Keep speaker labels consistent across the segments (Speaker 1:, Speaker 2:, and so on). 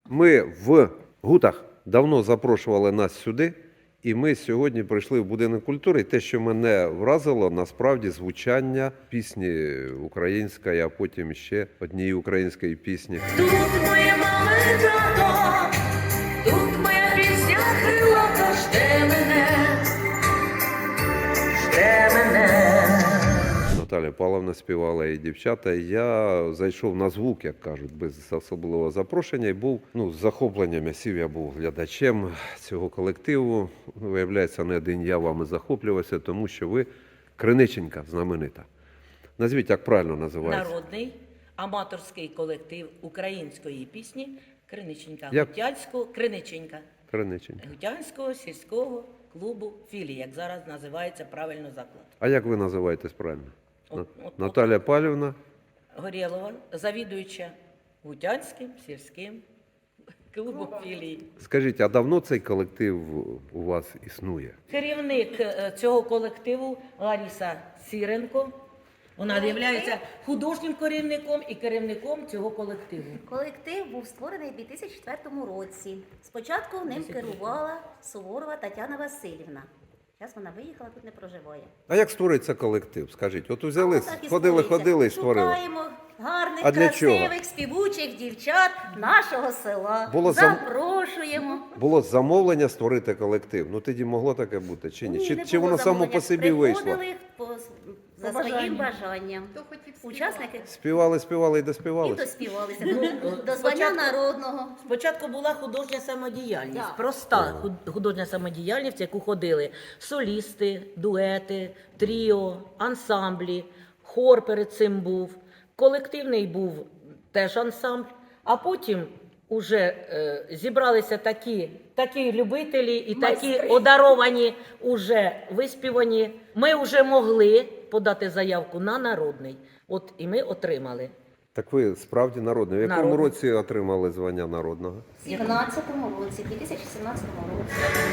Speaker 1: Ми в Гутах давно запрошували нас сюди, і ми сьогодні прийшли в будинок культури. І те, що мене вразило, насправді звучання пісні української, а потім ще однієї української пісні.
Speaker 2: Тут моє мале тато, тут моя пісня крилата, жде мене.
Speaker 1: Наталя Павловна співала і дівчата. Я зайшов на звук, як кажуть, без особливого запрошення. І був з захопленням. Я був глядачем цього колективу. Виявляється, не один я вами захоплювався, тому що ви криниченька знаменита. Назвіть, як правильно називається?
Speaker 3: Народний аматорський колектив української пісні Криниченька.
Speaker 1: Як?
Speaker 3: Криниченька.
Speaker 1: Криниченька.
Speaker 3: Гутянського сільського клубу філії, як зараз називається правильно заклад.
Speaker 1: А як ви називаєтесь правильно?
Speaker 3: От
Speaker 1: Наталя Павлівна.
Speaker 3: Горєлова, завідуюча Гутянським сільським клубом філії.
Speaker 1: Скажіть, а давно цей колектив у вас існує?
Speaker 3: Керівник цього колективу Лариса Сіренко. Вона є художнім керівником і керівником цього колективу.
Speaker 4: Колектив був створений у 2004 році. Спочатку ним керувала Суворова Тетяна Васильівна. Зараз вона виїхала, тут не проживає.
Speaker 1: А як створюється колектив? Скажіть, от взяли,
Speaker 4: Отак і
Speaker 1: ходили
Speaker 4: створюється.
Speaker 1: і створили.
Speaker 4: Шукаємо гарних,
Speaker 1: А для чого?
Speaker 4: красивих, співучих дівчат нашого села.
Speaker 1: Було
Speaker 4: Запрошуємо.
Speaker 1: Було замовлення створити колектив. Ну тоді могло таке бути чи ні?
Speaker 4: Не
Speaker 1: Чи
Speaker 4: було
Speaker 1: воно само
Speaker 4: замовлення.
Speaker 1: по собі вийшло?
Speaker 4: Приходили за своїм бажанням. Учасники
Speaker 1: Співали і
Speaker 4: і
Speaker 1: доспівали.
Speaker 4: доспівалися до звання народного.
Speaker 3: Спочатку була художня самодіяльність,
Speaker 4: Так.
Speaker 3: проста художня самодіяльність, в яку ходили солісти, дуети, тріо, ансамблі, хор перед цим був, колективний був теж ансамбль, а потім уже зібралися такі любителі і такі одаровані, уже виспівані. Ми вже могли подати заявку на народний, от і ми отримали.
Speaker 1: Так ви справді народний. В якому
Speaker 3: Народний.
Speaker 1: році отримали звання народного?
Speaker 4: У 2017 році, 2017 році.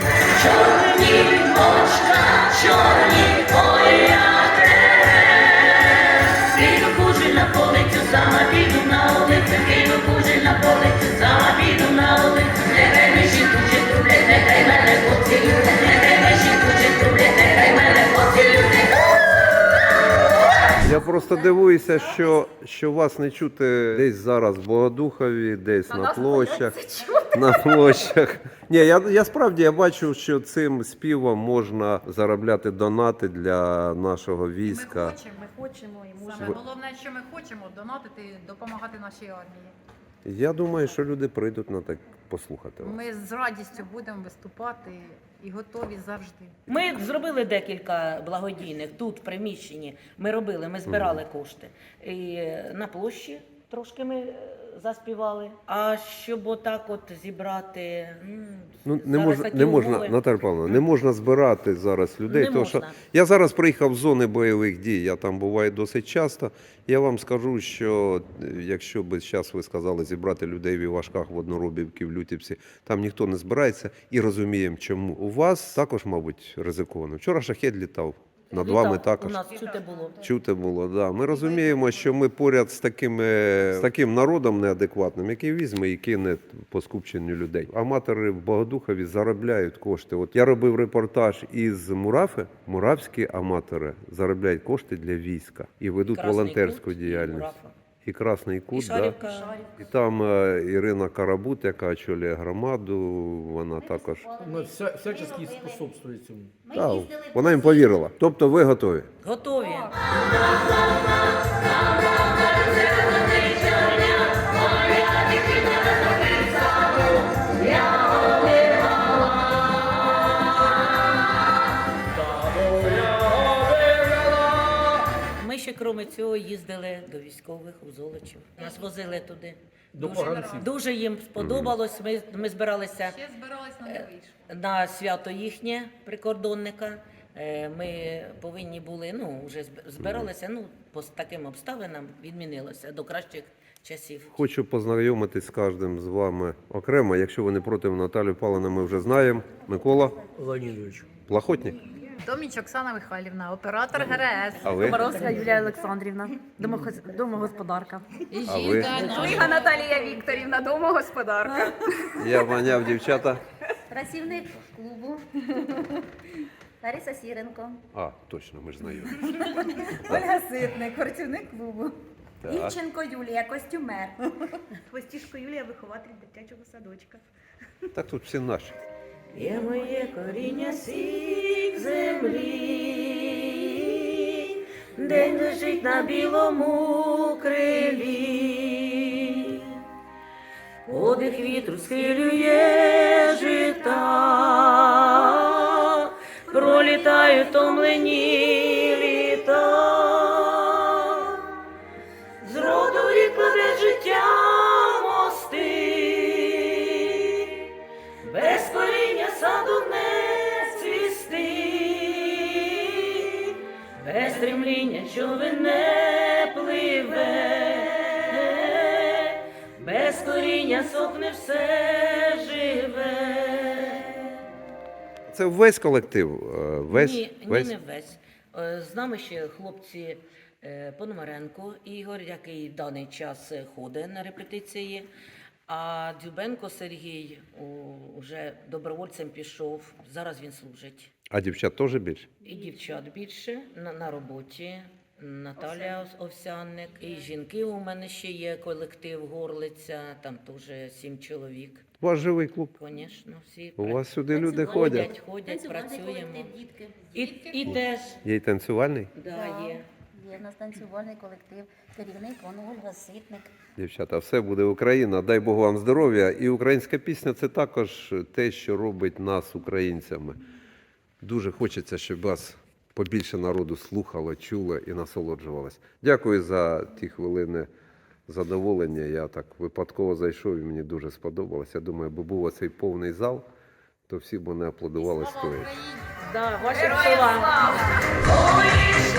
Speaker 2: Піду кужель на полицю, сама піду на улицю, піду кужель на полицю, сама піду на улицю. Нехай ми жінку чи трублять, нехай мене поцілюють, нехай ми жінку чи трублять, нехай мене поцілюють.
Speaker 1: Я просто дивуюся, що вас не чути десь зараз в Богодухові, десь на площах. На площах. Ні, я справді бачу, що цим співом можна заробляти донати для нашого війська.
Speaker 5: Ми хочемо і можемо. Саме головне, що ми хочемо донатити, допомагати нашій армії.
Speaker 1: Я думаю, що люди прийдуть на так послухати вас.
Speaker 5: Ми з радістю будемо виступати і готові завжди.
Speaker 3: Ми зробили декілька благодійних тут, в приміщенні. Ми збирали кошти. І на площі трошки ми заспівали. А щоб отак от зібрати,
Speaker 1: Ну,
Speaker 3: зараз такі
Speaker 1: не можна,
Speaker 3: умови.
Speaker 1: Наталя Павловна, не можна збирати зараз людей.
Speaker 3: Не
Speaker 1: Тому що
Speaker 3: можна.
Speaker 1: я зараз приїхав з зони бойових дій, я там буваю досить часто. Я вам скажу, що якщо б зараз ви сказали зібрати людей в Івашках, в Одноробівці, в Лютівці, там ніхто не збирається і розуміємо, чому. У вас також, мабуть, ризиковано. Вчора шахет літав, над вами
Speaker 3: Літав,
Speaker 1: також.
Speaker 3: у нас чути було.
Speaker 1: Чути було, да. Ми розуміємо, що ми поряд з таким народом неадекватним, який візьме і кине по скупченню людей. Аматори в Богодухові заробляють кошти. От я робив репортаж із Мурафи. Муравські аматори заробляють кошти для війська і ведуть
Speaker 3: Красний
Speaker 1: волонтерську
Speaker 3: Кут і
Speaker 1: діяльність.
Speaker 3: Мурафа.
Speaker 1: І Красний
Speaker 3: І
Speaker 1: Кут, да.
Speaker 3: Шарівка.
Speaker 1: І там Ірина Карабут, яка очолює громаду, вона також.
Speaker 6: Мы всячески способствуем этому.
Speaker 4: Ми
Speaker 1: Да,
Speaker 4: їздили
Speaker 1: вона їм повірила. Тобто ви готові?
Speaker 3: Готові. Ми ще, крім цього, їздили до військових у Золочів. Нас возили туди.
Speaker 6: До поганців.
Speaker 3: Дуже їм сподобалось. Ми збиралися
Speaker 5: Ще збирались, але не вийшло.
Speaker 3: на свято їхнє прикордонника. Ми повинні були, вже збиралися, по таким обставинам відмінилося до кращих часів.
Speaker 1: Хочу познайомитись з кожним з вами окремо. Якщо ви не проти, Наталію Павловну ми вже знаємо. Микола
Speaker 6: Леонидович.
Speaker 1: Плахотник.
Speaker 5: Доміч Оксана Михайлівна, оператор ГРС.
Speaker 1: А ви?
Speaker 7: Комаровська Юлія Олександрівна, домогосподарка.
Speaker 1: А ви?
Speaker 7: Ольга Наталія Вікторівна, домогосподарка.
Speaker 1: Я маняв дівчата.
Speaker 4: Працівник клубу Лариса Сіренко.
Speaker 1: А, точно, ми ж знайомі.
Speaker 7: Ольга Ситник, працівник клубу.
Speaker 1: Так.
Speaker 7: Ільченко Юлія, костюмер.
Speaker 8: Хвостішко Юлія, вихователь дитячого садочка.
Speaker 1: Так тут всі наші.
Speaker 3: Є моє коріння сік землі, день лежить на білому крилі, подих вітру схилює жита, пролітають томлені літа, з роду в рік кладе життя мости, без коріння саду не цвісти, без стремління човен не пливе, без коріння сохне все живе.
Speaker 1: Це весь колектив? Весь?
Speaker 3: Ні,
Speaker 1: весь?
Speaker 3: не весь. З нами ще хлопці Пономаренко Ігор, який в даний час ходить на репетиції, а Дзюбенко Сергій вже добровольцем пішов, зараз він служить.
Speaker 1: А дівчат теж більше?
Speaker 3: І дівчат більше на роботі. Наталя Овсянник, і жінки у мене ще є, колектив Горлиця, там теж 7 чоловік.
Speaker 1: У вас живий клуб.
Speaker 3: Звісно, всі
Speaker 1: У вас сюди люди
Speaker 4: Танцювальний
Speaker 1: ходять.
Speaker 3: ходять,
Speaker 4: Танцювальний
Speaker 3: працюємо.
Speaker 4: колектив дітки.
Speaker 3: І теж,
Speaker 1: Є й танцювальний?
Speaker 3: да, є.
Speaker 4: Є в нас танцювальний колектив, керівник Ольга Ситник.
Speaker 1: Дівчата, все буде Україна. Дай Бог вам здоров'я. І українська пісня – це також те, що робить нас українцями. Дуже хочеться, щоб вас побільше народу слухало, чуло і насолоджувалось. Дякую за ті хвилини задоволення. Я так випадково зайшов і мені дуже сподобалось. Я думаю, аби був оцей повний зал, то всі б мене аплодували стоячи.
Speaker 3: Да, вашим словам.
Speaker 2: Ой,